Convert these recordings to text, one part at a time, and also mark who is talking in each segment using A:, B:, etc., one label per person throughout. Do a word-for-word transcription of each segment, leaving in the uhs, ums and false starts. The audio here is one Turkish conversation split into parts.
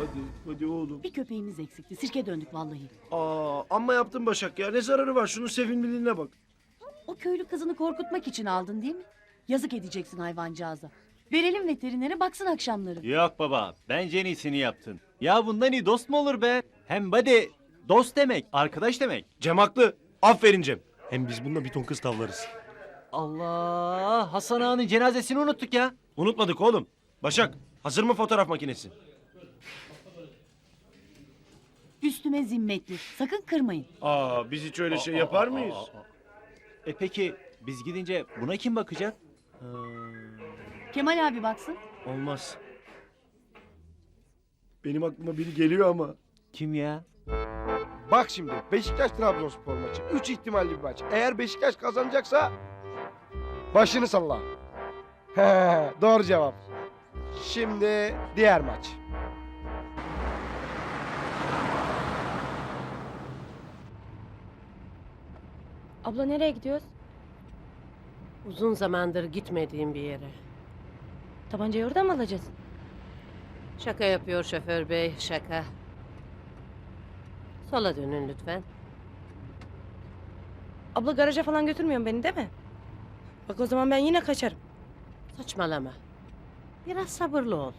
A: Hadi, hadi oğlum.
B: Bir köpeğimiz eksikti. Sirke döndük vallahi.
A: Aa, amma yaptın Başak ya. Ne zararı var? Şunun sevimliliğine bak.
B: O köylü kızını korkutmak için aldın değil mi? Yazık edeceksin hayvancağıza. Verelim veterinere baksın akşamları.
C: Yok baba, bence en iyisini yaptın. Ya bundan iyi dost mu olur be? Hem buddy, dost demek, arkadaş demek.
A: Cem haklı. Aferin Cem. Hem biz bununla bir ton kız tavlarız.
C: Allah, Hasan Ağa'nın cenazesini unuttuk ya.
A: Unutmadık oğlum. Başak, hazır mı fotoğraf makinesi?
B: Üstüme zimmetli. Sakın kırmayın.
A: Aa, biz hiç öyle şey yapar mıyız?
C: E peki, biz gidince buna kim bakacak?
B: Kemal abi baksın.
A: Olmaz. Benim aklıma biri geliyor ama.
C: Kim ya?
D: Bak şimdi Beşiktaş-Trabzonspor maçı. Üç ihtimalli bir maç. Eğer Beşiktaş kazanacaksa başını salla. He, doğru cevap. Şimdi diğer maç.
E: Abla nereye gidiyoruz?
F: Uzun zamandır gitmediğim bir yere.
E: Tabancayı orada mı alacağız?
F: Şaka yapıyor şoför bey, şaka. Sola dönün lütfen.
E: Abla garaja falan götürmüyorsun beni değil mi? Bak o zaman ben yine kaçarım.
F: Saçmalama. Biraz sabırlı ol.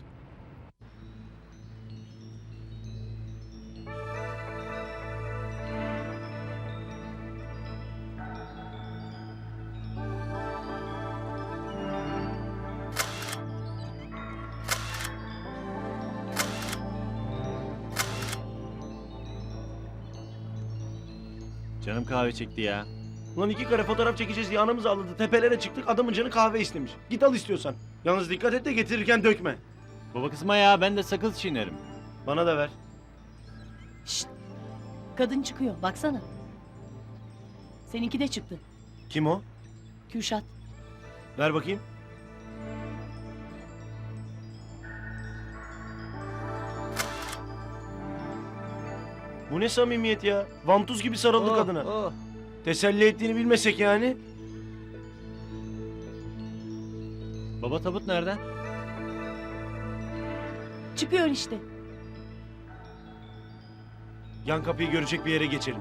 C: Canım kahve çekti ya.
A: Ulan iki kare fotoğraf çekeceğiz diye anamız ağladı. Tepelere çıktık, adamın canı kahve istemiş. Git al istiyorsan. Yalnız dikkat et de getirirken dökme.
C: Baba kızma ya, ben de sakız çiğnerim.
A: Bana da ver.
B: Şşt. Kadın çıkıyor. Baksana. Seninki de çıktı.
A: Kim o?
B: Kürşat.
A: Ver bakayım. Bu ne samimiyet ya? Vantuz gibi sarıldı
C: Oh,
A: kadına.
C: oh.
A: Teselli ettiğini bilmesek yani.
C: Baba tabut nereden?
B: Çıkıyor işte.
A: Yan kapıyı görecek bir yere geçelim.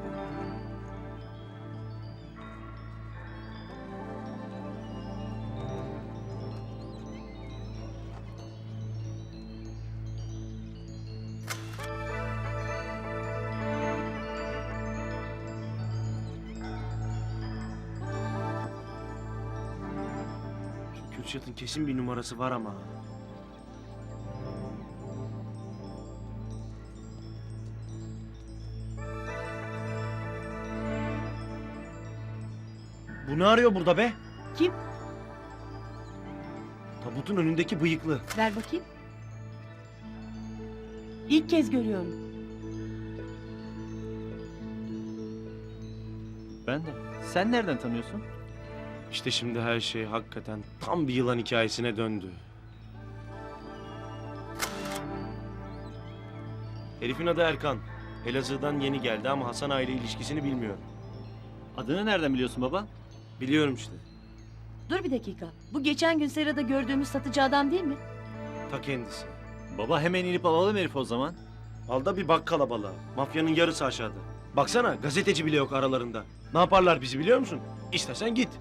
A: Şu Kürşat'ın kesin bir numarası var ama. Bu ne arıyor burada be?
B: Kim?
A: Tabutun önündeki bıyıklı.
B: Ver bakayım. İlk kez görüyorum.
C: Ben de. Sen nereden tanıyorsun?
A: İşte şimdi her şey hakikaten tam bir yılan hikayesine döndü. Herifin adı Erkan. Elazığ'dan yeni geldi ama Hasan aile ilişkisini bilmiyor.
C: Adını nereden biliyorsun baba?
A: Biliyorum işte.
B: Dur bir dakika. Bu geçen gün serada gördüğümüz satıcı adam değil mi?
A: Ta kendisi.
C: Baba hemen inip alalım herifi o zaman.
A: Al da bir bak kalabalığa. Mafyanın yarısı aşağıda. Baksana gazeteci bile yok aralarında. Ne yaparlar bizi biliyor musun? İstersen git.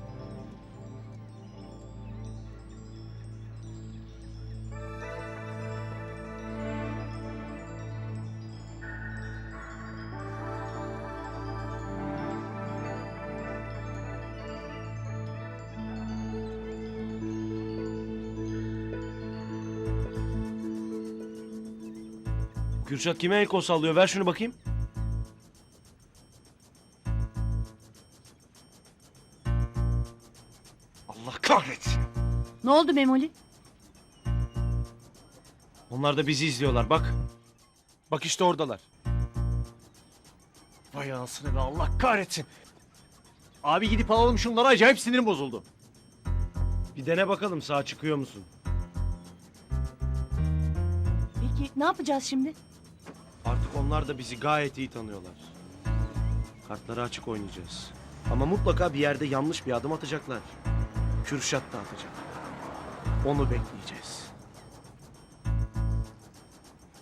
A: Kürşat kime el kol sallıyor? Ver şunu bakayım. Allah kahretsin.
B: Ne oldu Memoli?
A: Onlar da bizi izliyorlar bak. Bak işte oradalar.
C: Vay anasını be, Allah kahretsin. Abi gidip alalım şunları, acayip sinirim bozuldu.
A: Bir dene bakalım sağ çıkıyor musun?
B: Peki ne yapacağız şimdi?
A: Artık onlar da bizi gayet iyi tanıyorlar. Kartları açık oynayacağız. Ama mutlaka bir yerde yanlış bir adım atacaklar. Kürşat da atacak. Onu bekleyeceğiz.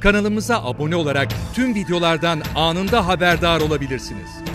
G: Kanalımıza abone olarak tüm videolardan anında haberdar olabilirsiniz.